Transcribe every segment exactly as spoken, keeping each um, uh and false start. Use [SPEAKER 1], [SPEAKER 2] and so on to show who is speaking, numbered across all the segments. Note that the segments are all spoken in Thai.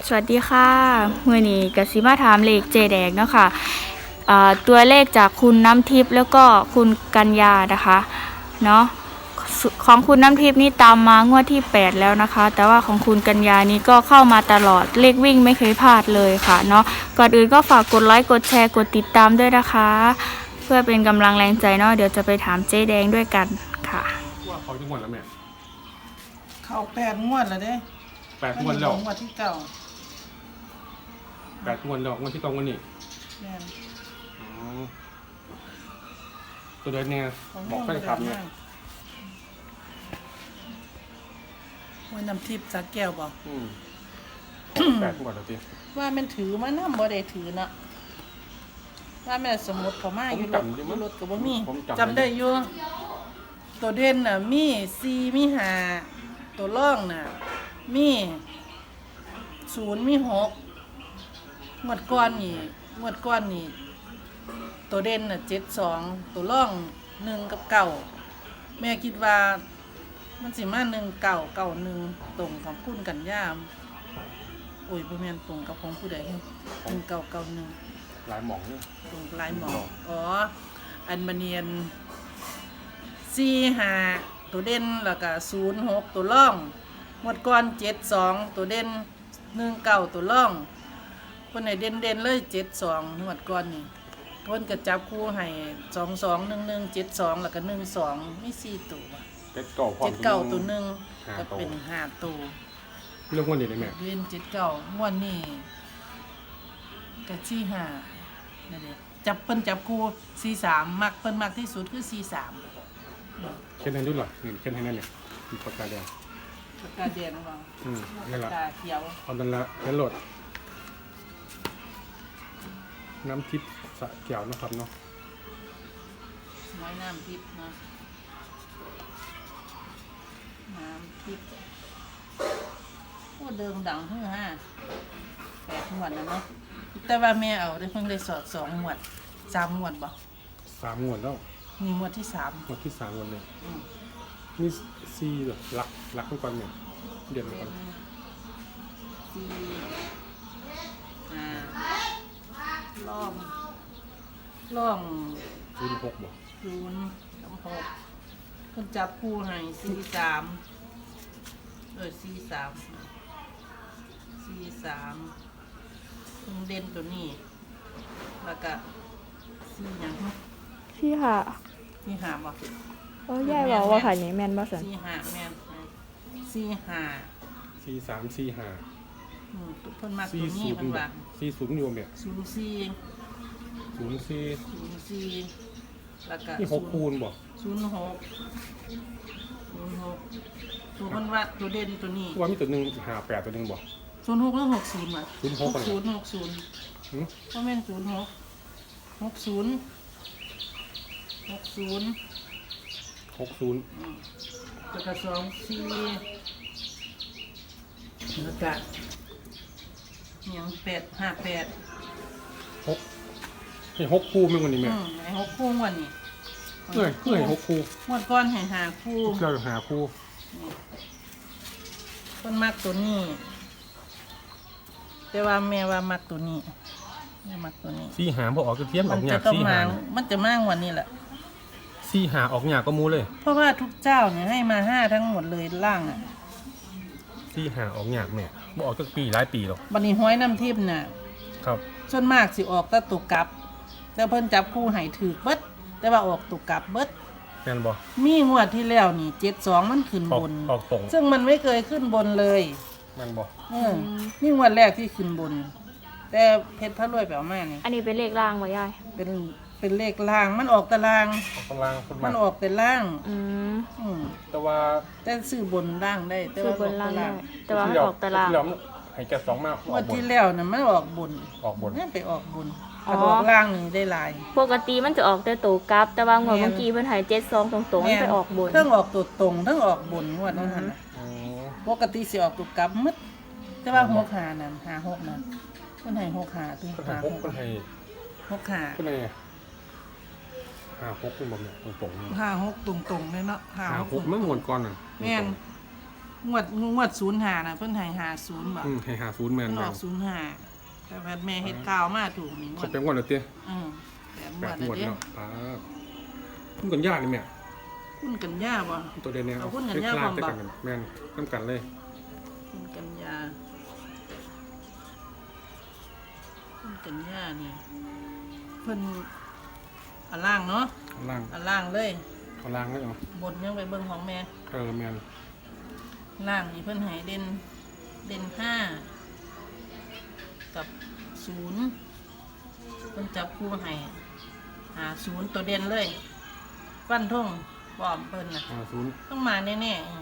[SPEAKER 1] สวัสดีค่ะมื่อนี้กสิมาถามเลขเจแดงเนาะค่ะตัวเลขจากคุณน้ำทิพย์แล้วก็คุณกัญญานะคะเนาะของคุณน้ำทิพย์นี่ตามมางวดที่แปดแล้วนะคะแต่ว่าของคุณกัญญานี่ก็เข้ามาตลอดเลขวิ่งไม่เคยพลาดเลยค่ะเนาะก่อนอื่นก็ฝากกดไลค์กดแชร์กดติดตามด้วยนะคะเพื่อเป็นกำลังแรงใจเนาะเดี๋ยวจะไปถามเจแดงด้วยกันค่ะ
[SPEAKER 2] ว่าเขาจะงวดแล้วแม่
[SPEAKER 3] เข้าแปดงวดแล้วเด้
[SPEAKER 2] แปดงวดแล้ว
[SPEAKER 3] งวดที่เก้า
[SPEAKER 2] แปดงวดแล้วงวดที่เก้างวดนี้
[SPEAKER 3] แม่น
[SPEAKER 2] อ๋อตัวเดินเนี่ยบอกแฟนคลับเนี่ย
[SPEAKER 3] วันน้ำทิพย์สักแก้วบอก
[SPEAKER 2] อืมแปดงวดแล้วที
[SPEAKER 3] ว่ามันถือมานำบ่ได้ถือเนาะว่าแม่สมมุติเขามาอยู่รถอยู่รถก็บ่มีจำได้อยู่ตัวเด่นน่ะมีสี่มีห้าตัวร่องน่ะมีศูนย์มีหกงวดก้อนนี่งวดก้อนนี่ตัวเด่นน่ะเจ็ดสองตัวร่องหนึ่งกับเก้าแม่คิดว่ามันสิมาหนึ่งเก้าเก้าหนึ่งตรงกับคุณกันย่ามโอ้ยบ่แม่นตรงกับของผู้ใดหนึ่งเก้าเก้าหนึ่ง
[SPEAKER 2] หลายหม่องเนี่ย
[SPEAKER 3] ตรงหลายหม่องอ๋ออันมาเนียนสี่ห้าตัวเด่นแล้วก็ศูนย์หกตัวร่องงวดก้อนเจ็ดสองตัวเด่นหนึ่งเก้าตัวร่องคนไหนเด่นเด่นเลยเจ็ดสองงวดก้อนนี่คนก็จับคู่ให้สองสองหนึ่งหนึ่งเจ็ดสองแล้วก็หนึ่งสองมีสี่ตัว
[SPEAKER 2] เจ็ดเก้า
[SPEAKER 3] เจ็ดเก้าตัวหนึ่งก็เป็นห้าตัว
[SPEAKER 2] เรื่องงวดนี้เลยแม่
[SPEAKER 3] เด่นเจ็ดเก้างวดนี้ก็สี่ห้านั่นเองจับเปิ้นจับคู่สี่สามมักเปิ้นมักที่สุดคือสี่สาม
[SPEAKER 2] เช่นนั้นด้วยหรอนี่เช่นนั้นเนี่ยมีปากกาแดง
[SPEAKER 3] ปากกาแดงบ้าง
[SPEAKER 2] อืมนั่นแหละ
[SPEAKER 3] ปากกาเขียว
[SPEAKER 2] เอาดันละนั่นโหลดน้ำทิพย์สะเกี่ยวนะครับเนาะ
[SPEAKER 3] น้อยน้ำทิพย์เนาะน้ำทิพย์โอ้เดิมดังเพื่อฮะแปดหมวดนะเนาะแต่ว่าแม่เอาได้เพิ่งได้สอดสองหมวดสามหมวดบ่
[SPEAKER 2] สามหมวดแล้ว
[SPEAKER 3] มีหมวดที่สาม
[SPEAKER 2] หมวดที่สามหมวดเลยมีซีเหรอรักรักทุกคนเนี่ยเด่นทุกคน
[SPEAKER 3] ซีอ่าล่องล่อง
[SPEAKER 2] ศูนย์หกบ่
[SPEAKER 3] ศูนย์สามหกคนจับคู่ให้สี่สามเออสี่สามสี่สามตรงเด่นตัวนี้แล้วก็สี่อย่าง
[SPEAKER 1] สี่ห้า
[SPEAKER 3] สี่ห้าบ่
[SPEAKER 1] โอ้ยายบอกว่าขายนี้แม่นบ่สัน
[SPEAKER 3] สี่ห้าแม่นสี่ห้า
[SPEAKER 2] สี่สามสี่ห้า
[SPEAKER 3] อืมเพิ่นมาตัวนี้เพิ่นว่า
[SPEAKER 2] สี่ศูนย์อยู่เนี่ย
[SPEAKER 3] ศูนย์สี่
[SPEAKER 2] ศูนย์สี่
[SPEAKER 3] ศูนย์สี่แล้วก็
[SPEAKER 2] นี่หกคูณบ่
[SPEAKER 3] ศูนย์หกศูนย์หกตัวเพิ่นว่าตัวเด่นตัวนี้
[SPEAKER 2] ว่ามีตัวหนึ่งห้าแปดตัวหนึ่งบ่
[SPEAKER 3] ศูนย์หกหรือหกศูนย์วะ
[SPEAKER 2] ศูนย์หก
[SPEAKER 3] ศูนย์หกศูนย์เพราะแม่นศูนย์หกหกศูนย์หกศูนย์
[SPEAKER 2] หกศูนย์
[SPEAKER 3] แล้วก็สองสี่แล้วก็ยังแปดห้าแปด
[SPEAKER 2] หกให้หกคู่มั้งวันนี้แม่
[SPEAKER 3] ไอ้หกคู่วันนี้
[SPEAKER 2] เอ้ยเอ้ยหกคู่
[SPEAKER 3] งวดก้อนให้หาคู่
[SPEAKER 2] เราหาคู่
[SPEAKER 3] คนมักตัวนี้แต่ว่าแม่ว่ามักตัวนี้แม่มักตัวนี้
[SPEAKER 2] สี่หาพอออกจะเทียมออกหยา
[SPEAKER 3] กสี่หามันจะมากวันนี้แหละ
[SPEAKER 2] สี่หาออกหยาก็มูเลย
[SPEAKER 3] เพราะว่าทุกเจ้าเนี่ยให้มาห้าทั้งหมดเลยล่างอ่ะ
[SPEAKER 2] สี่หาออกหยาแม่บ่ออกตั้งปีหลายปีหรอก
[SPEAKER 3] บันนี้ห้อยน้ำทิพย์น่ะ
[SPEAKER 2] ครับ
[SPEAKER 3] ส่วนมากสิออกแต่ตุกกลับแต่เพิ่นจับคู่ให้ถือเบิดแต่ว่าออกตุกกลับเบิด
[SPEAKER 2] แม่นบ่
[SPEAKER 3] มีงวดที่แล้วนี่เจ็ดสองมันขึ้นบน
[SPEAKER 2] ออกตรง
[SPEAKER 3] ซึ่งมันไม่เคยขึ้นบนเลย
[SPEAKER 2] แม่นบ่
[SPEAKER 3] เออนี่งวดแรกที่ขึ้นบนแต่เพชรพระรวยแปลว่านี่
[SPEAKER 1] อันนี้เป็นเลขล่างบ่ยาย
[SPEAKER 3] เป็นเป็นเลขล่างมันออกตาราง
[SPEAKER 2] ออกตาราง
[SPEAKER 3] มันออกแต่ล่าง
[SPEAKER 1] อืม
[SPEAKER 3] อืม
[SPEAKER 2] แต่ว่า
[SPEAKER 3] แต่ซื้อบนล่างได้แต่
[SPEAKER 1] ว่าบนล่างได้แต่ว่าออกตาราง
[SPEAKER 2] ให้แกสองมา
[SPEAKER 3] งวดที่แล้วน่ะมันออกบน
[SPEAKER 2] ออกบน
[SPEAKER 3] นั่นไปออกบนออกล่างนี่ได้หลาย
[SPEAKER 1] ปกติมันจะออกแต่ตัวกลับแต่ว่างวดเมื่อกี้เพิ่นให้เจ็ดสองตรงๆมันไปออกบน
[SPEAKER 3] ทั้งออกตัวตรงทั้งออกบนงวดนั้นน่ะปกติสิออกตัวกลับหมดแต่ว่าหกห้านั่นห้าหกนั่นเพิ่นให้หกห้าถึงห้าหก
[SPEAKER 2] เพิ่นให้
[SPEAKER 3] หกห้า
[SPEAKER 2] เพิ่นให้ห้าหกเป็นบ่แม่ตรงๆ
[SPEAKER 3] ห้าหกตรงๆเลยเนาะ
[SPEAKER 2] ห้าหกมันงวดก่อนน่ะ
[SPEAKER 3] แม่นงวดงวดศูนย์ห้าน่ะเพิ่นให้ห้าศูนย์บ่
[SPEAKER 2] อืมให้หาศูนย์แมน
[SPEAKER 3] มันอ
[SPEAKER 2] แม่
[SPEAKER 3] อน กศูนย์ห้าแต่ว่าแม่เฮ็ดข่าวมาถูกนี่ง
[SPEAKER 2] เขา
[SPEAKER 3] วด
[SPEAKER 2] เป็นงวดแล้วเตี้ย
[SPEAKER 3] อืมแปดง
[SPEAKER 2] แป
[SPEAKER 3] ว
[SPEAKER 2] ด
[SPEAKER 3] ด แล้วเด้
[SPEAKER 2] งวดเนาะป้าคุณกันยากนี่แม่
[SPEAKER 3] คุณกันยาบ่
[SPEAKER 2] ตัวเด่นเนี่ย
[SPEAKER 3] เอาหุ้นกันยาก
[SPEAKER 2] คล้
[SPEAKER 3] พร้อม
[SPEAKER 2] ๆ
[SPEAKER 3] ปะ
[SPEAKER 2] กันแม่นน้ำกันเลย
[SPEAKER 3] คุณกันยาคุณกันยานี่เพิ่นอันล่างเนาะ
[SPEAKER 2] ข้างล่าง
[SPEAKER 3] อันล่างเลย
[SPEAKER 2] ข้างล่างเลยเหรอบ
[SPEAKER 3] นยังไปเบิ่งของแม่
[SPEAKER 2] เออแมน
[SPEAKER 3] ล่างนี่เพิ่นให้เด่นเด่นห้ากับศูนย์เพิ่นจับคู่ให้หาศูนย์ตัวเด่นเลยฟันธงบอมเพิ่นน่ะ
[SPEAKER 2] หาศูนย์
[SPEAKER 3] ต้องมาแน่ๆอืม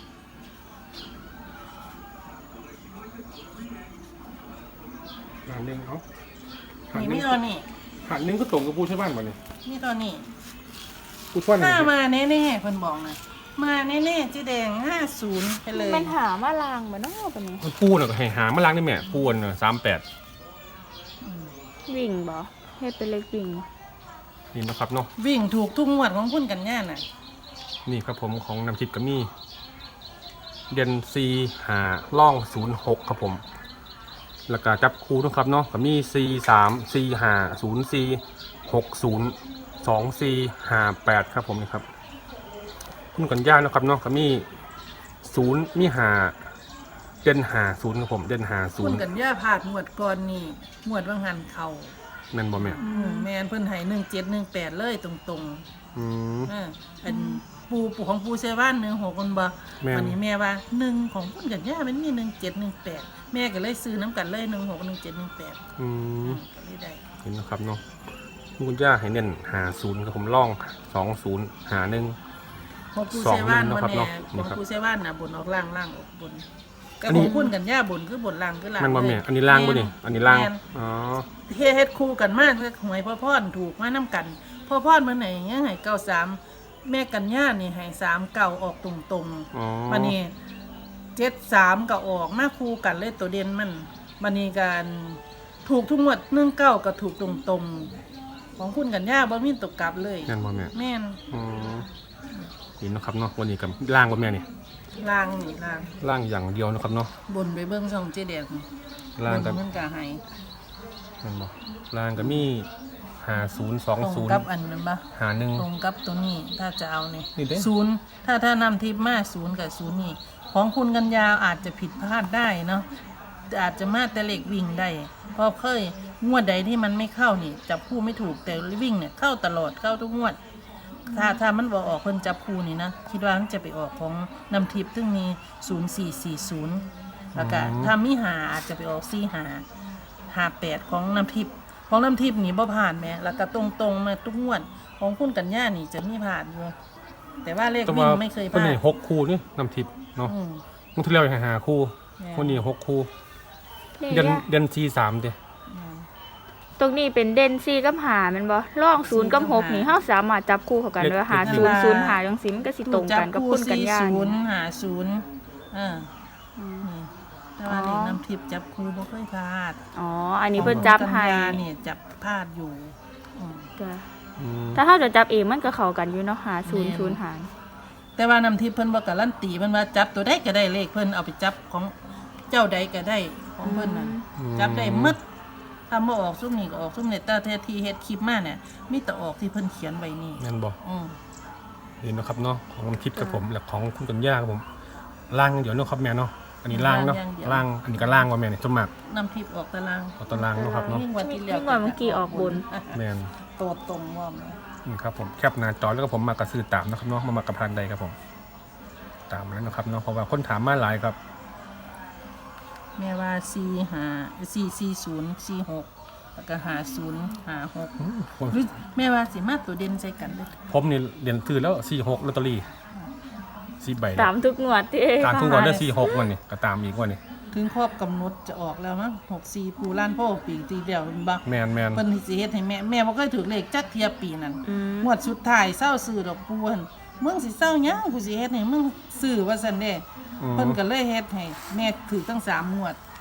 [SPEAKER 2] หาหนึ่งเอาหา
[SPEAKER 3] นี่
[SPEAKER 2] หนึ่
[SPEAKER 3] มี
[SPEAKER 2] ง
[SPEAKER 3] ตัวนี้
[SPEAKER 2] หาหนึ่งก็ตรงกับผู้ใช้บ้านบ่เนี่ย
[SPEAKER 3] มีตัวนี้
[SPEAKER 2] ผู้ช่วย
[SPEAKER 3] ถ้า
[SPEAKER 2] เนี่ย
[SPEAKER 3] มาแน่ๆเพิ่นบอกนะมาแน่ๆเจ๊แดงห้าศูนย์ไปเลย
[SPEAKER 1] มันหามาลางบ่เนาะปะนี้
[SPEAKER 2] มันปูน่ะก็ให้หามาล้างได้แม่ปูน่ะสามแปด
[SPEAKER 3] อืม
[SPEAKER 1] วิ่งบ่เฮ็ดเป็นเลขวิ่งบ่
[SPEAKER 2] นี่นะครับเนาะ
[SPEAKER 3] วิ่งถูกทุกงวดของคุณกันย่าน่ะ
[SPEAKER 2] นี่ครับผมของน้ำทิพย์กัมี่เดนซีหาล่องศูนย์หกครับผมแล้วก็จับคู่นะครับเนาะกัมี่ซีสามซีหาศูนย์ซีหกศูนย์สองซีหาแปดครับผมนี่ครับคุณกันย่านะครับเนาะกัมี่ศูนย์มีหาเดนหาศูนย์ครับผมเดนหาศู
[SPEAKER 3] คุ
[SPEAKER 2] น
[SPEAKER 3] ณ
[SPEAKER 2] ย์
[SPEAKER 3] กันย่าผ่านงวดก่อนนี่งวดวังหันเข่า
[SPEAKER 2] แม่นบ่แม่
[SPEAKER 3] อืมแมนเพิ่นให้หนึ่งเจ็ดหนึ่งแปดเลยตรง
[SPEAKER 2] อืม
[SPEAKER 3] ๆเออเป็นปูปูของปูเซว่านหนึ่งหกคนบ่
[SPEAKER 2] แม่น
[SPEAKER 3] วันนี้แม่ว่าหนึ่งของคุณกันย่ามันมีหนึ่งเจ็ดหนึ่งแปดแม่ก็เลยซื้อน้ำกันเลยหนึ่งหกหนึ่งเจ็ดหนึ่งแปด
[SPEAKER 2] อืม
[SPEAKER 3] ก็เลยได้
[SPEAKER 2] เห็นนะครับเนาะคุณย่าให้เน้นหาศูนย์ครับผมล่องสองศูนย์หาหนึ่ง
[SPEAKER 3] ของปูเซว่าน
[SPEAKER 2] สองหนึ่ง
[SPEAKER 3] มัน
[SPEAKER 2] เนาะ
[SPEAKER 3] แน่
[SPEAKER 2] ครับ
[SPEAKER 3] ของปูเซว่านน่ะบนออกล่างล่างออกบนก็
[SPEAKER 2] อัน
[SPEAKER 3] ข
[SPEAKER 2] นี้
[SPEAKER 3] องคุณกันย่าบนคือบนล่างคือล่าง
[SPEAKER 2] มันบ่
[SPEAKER 3] เล
[SPEAKER 2] แม่
[SPEAKER 3] ย
[SPEAKER 2] อันนี้ล่างบ่นี่อันนี้ล่าง
[SPEAKER 3] แม่น
[SPEAKER 2] อ๋อ
[SPEAKER 3] เฮ็ดเฮ็ดคู่กันมากเลยหวยพ่อพ่อนถูกมาน้ำกันพ่อพ่อนมันไหนอย่างเงี้ยให้เก้าสามแม่กันย่านี่ให้สามเก่าออกตรงตรงๆ
[SPEAKER 2] อ๋อ
[SPEAKER 3] มันนี่เจ็ดสามก็ออกมาคู่กันเลยตัวเด่นมันมันนี่การถูกทุกงวดหนึ่งเก้าก็ถูกตรงตรงๆของคุณกันย่าบ่มีตกกลับเลย
[SPEAKER 2] แม่นบ่แม่
[SPEAKER 3] แม่น
[SPEAKER 2] อ๋อนี่นะครับเนาะวันนี้กับล่างบ่แม่นี่
[SPEAKER 3] ล่างนี่ล่าง
[SPEAKER 2] ล่างอย่างเดียวนะครับเนาะ
[SPEAKER 3] บนไปเบิ่งช่องเจ๊แดง
[SPEAKER 2] ล่าง
[SPEAKER 3] บ
[SPEAKER 2] กับ
[SPEAKER 3] นเพิ่นก็ให้
[SPEAKER 2] แม่นบ่ล่างก็มีหาศูนย์สอง
[SPEAKER 3] ตรง
[SPEAKER 2] ศูนย์
[SPEAKER 3] กับอันนั้นบ่
[SPEAKER 2] หาหนึ่ง
[SPEAKER 3] ตรงกับตัวนี้ถ้าจะเอานี่
[SPEAKER 2] นี่เด้
[SPEAKER 3] ศูนย์ถ้าถ้านำทิปมาศูนย์กับศูนย์นี่ของคุณกันยาวอาจจะผิดพลาดได้เนาะแต่อาจจะมาแต่เล็กวิ่งได้เพราะเคยงวดใดที่มันไม่เข้านี่จับคู่ไม่ถูกแต่วิ่งเนี่ยเข้าตลอดเข้าทุกงวด ถ้าถ้ามันบอกออกเพิ่นจับคู่นี่นะคิดว่ามันจะไปออกของนำทิปซึ่งมีศูนย์สี่สี่ศูนย์แล้วก็ถ้ามีหาอาจจะไปออกสี่หาหาแปดของนำทิปของน้ำทิพย์นี่บ่ผ่านแหม่แล้วก็ตรงๆมาทุกงวดของคุณกันย่านี่จะมีผ่านอยู่แต่ว่าเลข
[SPEAKER 2] แต่
[SPEAKER 3] วิ่
[SPEAKER 2] ว่าง
[SPEAKER 3] ไม่เคย
[SPEAKER 2] ตัว
[SPEAKER 3] ผ่าน
[SPEAKER 2] นี้หกคู่นี่น้ำทิพย์เนาะ
[SPEAKER 3] อืม
[SPEAKER 2] มื้อที่แล้วให้หาคู่
[SPEAKER 3] แม่
[SPEAKER 2] วันนี้หกคู่
[SPEAKER 1] เลข
[SPEAKER 2] เดือน
[SPEAKER 1] ยาก
[SPEAKER 2] เดือนซีสามเด้
[SPEAKER 3] อืม
[SPEAKER 1] ตรงนี้เป็นเด่นสี่กับหาแมันบ่ล่องศูนย์กับหกนี่เฮาสามารถจับคู่เข้ากันได้ว่าหาศูนย์ศูนย์หาจังซี่มันก็สิตรงกันกับคุณกันยา
[SPEAKER 3] จับคู่
[SPEAKER 1] นี่
[SPEAKER 3] สี่ศูนย์หาศูนย์เออ
[SPEAKER 1] อืม
[SPEAKER 3] นี่แต่ว่า
[SPEAKER 1] อ๋อ
[SPEAKER 3] เลขน้ำทิพย์จับคู่บ่เคยพลาด
[SPEAKER 1] อ๋ออันนี้เพิ่นจับให้
[SPEAKER 3] ของกันยานี่จับพลาดอยู่อืม
[SPEAKER 1] จ้ะ
[SPEAKER 2] อืม
[SPEAKER 1] ถ้าเฮาจะจับเองมันก็เข้ากันอยู่เนาะหาศูนย์ศูนย์หา
[SPEAKER 3] แต่ว่าน้ำทิพย์เพิ่นบ่การันตีเพิ่นว่าจับตัวใดก็ได้เลขเพิ่นเอาไปจับของเจ้าใดก็ได้ของเพิ่นน่ะจับได้หมดถ้าบ่ออกซุ่มนี่ก็ออกซุ่มนี่แต่แท้ที่เฮ็ดคลิปมาเนี่ยมีแต่ออกที่เพิ่นเขียนไว้นี่
[SPEAKER 2] แม่นบ่
[SPEAKER 3] อือ
[SPEAKER 2] นี่นะครับเนาะของน้ำทิพย์กับผมและของคุณกัญญาครับผมล่างอย่างเดี๋ยวเนาะครับแม่เนาะอันนี้ล่างเนาะล่างอันนี้ก็ล่างว่าแม่เนี่ยจมาก
[SPEAKER 3] น้ำทิพย์ออกตาราง
[SPEAKER 2] เอาตารางเนาะครับเนาะ
[SPEAKER 3] ยิ่งกว่าที่แล้ว
[SPEAKER 1] ยิ่งกว่าเมื่อกี้ออกบน
[SPEAKER 2] แม่น
[SPEAKER 3] โตตรงว่าแม่
[SPEAKER 2] นี่ครับผมแคปหน้าจอแล้วก็ผมมากระซื้อตามนะครับเนาะมามากระพันใดครับผมตามแล้วนะครับเนาะเพราะว่าคนถามมาหลายครับ
[SPEAKER 3] แม่ว่าสี่ห้าสี่สี่ศูนย์สี่หกแล้วก็ห้าศูนย์ห้าหก
[SPEAKER 2] อืมผม
[SPEAKER 3] หรือแม่ว่าสิมาตัวเด่นใส่กันเด้อ
[SPEAKER 2] ผมนี่เรียนซื้อแล้วสี่หกลอตเตอรี่สี่ใบ
[SPEAKER 1] ตามทุกงวดที่
[SPEAKER 2] ตามทุกวันได้สี่หกวันนี่ก็ตามอีกวันนี่
[SPEAKER 3] ถึงครอบกำหนดจะออกแล้วมั้งหกสี่ปูล้านพ่อปีตีเดียวเป็นบ่
[SPEAKER 2] แมนแมน
[SPEAKER 3] เพิ่นสิเฮ็ดให้แม่แม่บ่เคยถูกเลขจักเทียปีนั้น
[SPEAKER 1] อืม
[SPEAKER 3] งวดสุดท้ายเศร้าซื้อดอกปูหั่นมึงสิเศร้าหยังกูสิเฮ็ดให้มึงซื้อว่าซั่นเด้
[SPEAKER 2] อืม
[SPEAKER 3] เพิ่นก็เลยเฮ็ดให้แม่ถือตั้งสามงวด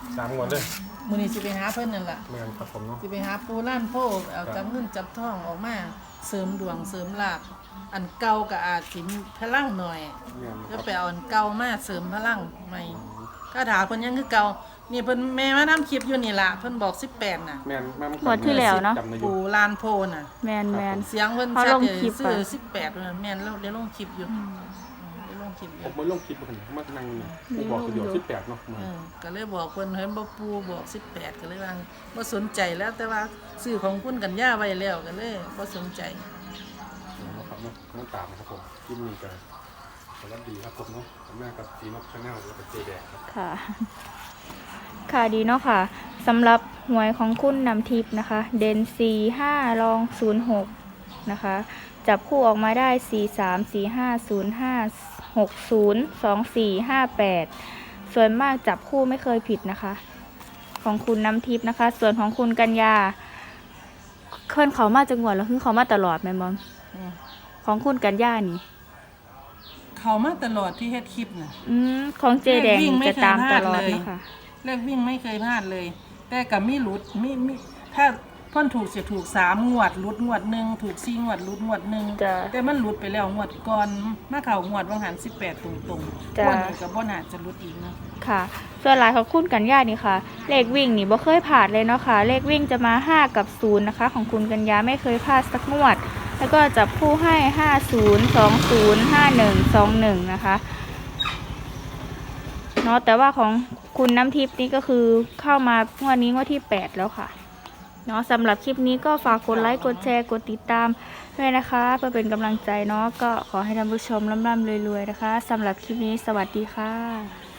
[SPEAKER 2] สามงวดเลย
[SPEAKER 3] มื้อนี้สิไปหาเพิ่นนั่นล่ะ
[SPEAKER 2] แม่นครับผมเนาะ
[SPEAKER 3] สิไปหาปูล้านโพเอาจับเงินจับทองออกมาเสริมดวงเสริมลาภอันเก่าก็อาจสิมีพลังหน่อย
[SPEAKER 2] แม่นค
[SPEAKER 3] ก็
[SPEAKER 2] รับ
[SPEAKER 3] ไปเอาอันเก่ามาเสริมพลังใหม่คาถาเพิ่นยังคือเก่านี่เพิ่นแม่มานํคลิปอยู่นี่ล่ะเพิ่นบอกสิบแปดน่ะ
[SPEAKER 2] แม่นแม่น
[SPEAKER 1] งวดที่แล้วเนาะ
[SPEAKER 2] จำได้อยู่
[SPEAKER 3] ปูลานโพน่ะ
[SPEAKER 1] แมนแมน
[SPEAKER 3] เสียงเพิ่น
[SPEAKER 1] เขา
[SPEAKER 3] ชัด
[SPEAKER 1] ลง
[SPEAKER 3] เลย
[SPEAKER 1] คลิป
[SPEAKER 3] ซื้อ
[SPEAKER 1] อะ
[SPEAKER 3] สิบแปดนั่นแม่นแล้วเดี๋ยวลงคลิปอยู่เดี๋ยวลงคลิปอ
[SPEAKER 2] ผ
[SPEAKER 3] ยู่
[SPEAKER 2] มมาลงคลิปกันมานั่งนี่ผมบอกตัวเดียวสิบแปดเนาะ
[SPEAKER 3] เออก็เลยบอกเพิ่นเห็นบ่ปูบอกสิบแปดก็เลยว่าบ่สนใจแล้วแต่ว่าซื้อของคุณกันย่าไว้แล้วก็เลยบ่สนใจ
[SPEAKER 2] นะครับเนาะต้องตามนะครับผมคลิปนี้กันสวัสดีครับผมเนาะผมแม่กับซีนกชาแนลแล้วก็เจแดงครับ
[SPEAKER 1] ค่ะ ค่ะดีเนาะค่ะสำหรับหวยของคุณนำทิพย์นะคะ เด่นสี่ห้ารองศูนย์หกนะคะ จับคู่ออกมาได้สี่สามสี่ห้าศูนย์ห้าหกศูนย์สองสี่ห้าแปดส่วนมากจับคู่ไม่เคยผิดนะคะ ของคุณน้ำทิพย์นะคะ ส่วนของคุณกัญญาเคลื่อนเขามาจังหวัดแล้วคือเขามาตลอดแม่มอม
[SPEAKER 3] อืม
[SPEAKER 1] ของคุณกัญญานี่
[SPEAKER 3] เขามาตลอดที่เฮ็ดคลิปน่ะ
[SPEAKER 1] อืมของเจแดง
[SPEAKER 3] วิ่งไม่
[SPEAKER 1] จะตามตลอด
[SPEAKER 3] เคยพลาดเลย
[SPEAKER 1] นะคะ
[SPEAKER 3] เลขวิ่งไม่เคยพลาดเลย แต่กับมีหลุดมีมีถ้าเพ่นถูกจะถูกสามงวดหลุดงวดหนึ่งถูกสี่งวดหลุดงวดหนึ่ง
[SPEAKER 1] จ้ะ
[SPEAKER 3] แต่มันหลุดไปแล้วงวดก่อนมาเข่างวดวังหันสิบแปดตรงๆ
[SPEAKER 1] จ้ะ
[SPEAKER 3] งวดนี้กับบ่น่าจะหลุดอีกนะ
[SPEAKER 1] ค่ะ ส่วนหลายของคุณกัญญานี่ค่ะ เลขวิ่งนี่บ่เคยผ่านเลยเนาะค่ะ เลขวิ่งจะมาห้ากับศูนย์นะคะ ของคุณกัญญาไม่เคยพลาดสักงวด แล้วก็จับคู่ให้ห้าศูนย์ สองศูนย์ ห้าหนึ่ง สองหนึ่งนะคะเนาะแต่ว่าของคุณน้ำทิพย์นี่ก็คือเข้ามางวดนี้งวดที่แปดแล้วค่ะเนาะสำหรับคลิปนี้ก็ฝากกดไลค์กดแชร์กดติดตามด้วยนะคะ เพื่อเป็นกำลังใจเนาะก็ขอให้ท่านผู้ชมร่ำๆรวยๆนะคะสำหรับคลิปนี้สวัสดีค่ะ